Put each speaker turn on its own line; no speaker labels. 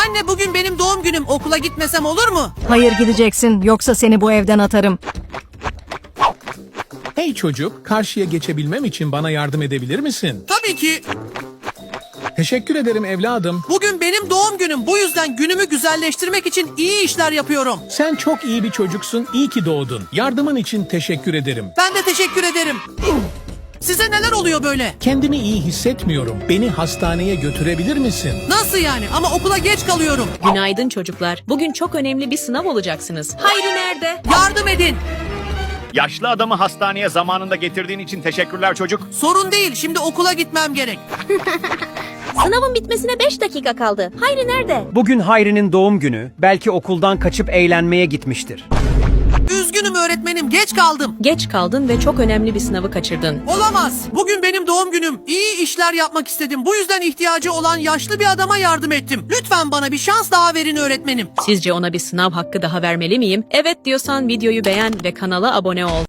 Anne bugün benim doğum günüm. Okula gitmesem olur mu?
Hayır, gideceksin, yoksa seni bu evden atarım.
Hey çocuk, karşıya geçebilmem için bana yardım edebilir misin?
Tabii ki.
Teşekkür ederim evladım.
Bugün benim doğum günüm. Bu yüzden günümü güzelleştirmek için iyi işler yapıyorum.
Sen çok iyi bir çocuksun, iyi ki doğdun. Yardımın için teşekkür ederim.
Ben de teşekkür ederim. Size neler oluyor böyle?
Kendimi iyi hissetmiyorum. Beni hastaneye götürebilir misin?
Nasıl yani? Ama okula geç kalıyorum.
Günaydın çocuklar. Bugün çok önemli bir sınav olacaksınız. Hayri nerede?
Yardım edin.
Yaşlı adamı hastaneye zamanında getirdiğin için teşekkürler çocuk.
Sorun değil. Şimdi okula gitmem gerek.
Sınavın bitmesine 5 dakika kaldı. Hayri nerede?
Bugün Hayri'nin doğum günü. Belki okuldan kaçıp eğlenmeye gitmiştir.
Üzgünüm öğretmenim. Geç kaldım.
Geç kaldın ve çok önemli bir sınavı kaçırdın.
Olamaz. Bugün benim doğum günüm. İyi işler yapmak istedim. Bu yüzden ihtiyacı olan yaşlı bir adama yardım ettim. Lütfen bana bir şans daha verin öğretmenim.
Sizce ona bir sınav hakkı daha vermeli miyim? Evet diyorsan videoyu beğen ve kanala abone ol.